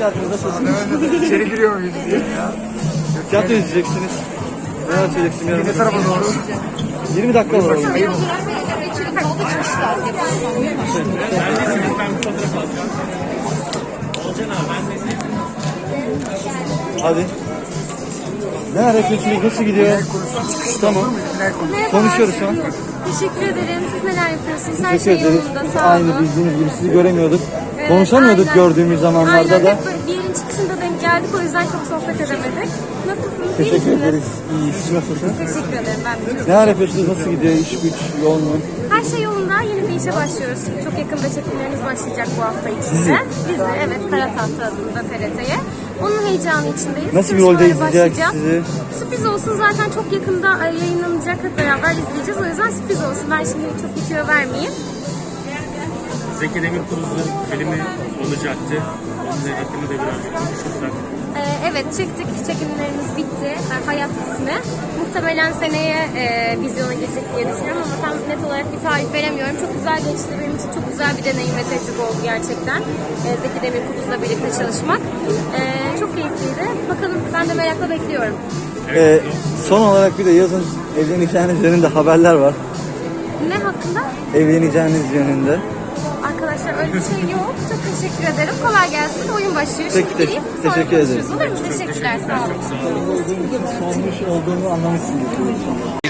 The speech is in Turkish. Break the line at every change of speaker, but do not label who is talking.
hakkında sözünüz.
İçeri giriyor muyuz diye ya.
Tiyatro izleyeceksiniz. Neler söyleyeceksin yarın?
Ne tarafa doğru?
20 dakika var. Hadi. Ne hareketiniz nasıl gidiyor? Tamam. Konuşuyoruz şu an.
Teşekkür ederim. Siz neler yapıyorsunuz? Her
Teşekkür
şey
ederiz.
yolunda. Sağ olun.
Aynı bildiğiniz gibi sizi göremiyorduk.
Evet,
Konuşamıyorduk
aynen.
gördüğümüz zamanlarda
Aynen.
da.
Hep böyle bir yerin çıkışında denk geldik. O yüzden çok sohbet edemedik. Nasılsınız? İyi
Teşekkür
misiniz?
ederiz. İyi. Siz nasılsınız?
Teşekkür ederim. Ben de çok
Neler yapıyorsunuz? Nasıl gidiyor? İş güç, yoğun mu?
Her şey yolunda. Yeni bir işe başlıyoruz. Çok yakında çekimlerimiz başlayacak bu hafta içinde. Dizi, evet. Kara Tahta adında TRT'ye. Onun heyecanı içindeyiz.
Nasıl bir rolde
Çalışmalara
izleyeceğiz
başlayacağız.
sizi?
Sürpriz olsun, zaten çok yakında yayınlanacak. Hep beraber izleyeceğiz. O yüzden sürpriz olsun. Ben şimdi çok bitiyor vermeyeyim.
Zeki Demirkubuz'un filmi olacaktı. Onun hakkında da biraz konuşursak.
Evet, çıktık. Çekimlerimiz bitti. Hayat ismi. Muhtemelen seneye vizyona girecek diye düşünüyorum ama tam net olarak bir tarih veremiyorum. Çok güzel geçti. Benim için çok güzel bir deneyim ve tecrübe oldu gerçekten. Zeki Demirkubuz'la birlikte çalışmak. Çok keyifliydi. Bakalım, ben de merakla bekliyorum.
Son olarak bir de yazın evleneceğiniz yönünde haberler var.
Ne hakkında?
Evleneceğiniz yönünde.
Arkadaşlar öyle bir şey yok. Çok teşekkür ederim. Kolay gelsin. Oyun başlıyor.
Peki,
Şimdi gireyim. Sonra
teşekkür ederim.
konuşuruz. Olur mu? Teşekkürler. Sağ olun.
Sormuş olduğumu anlamışsınız.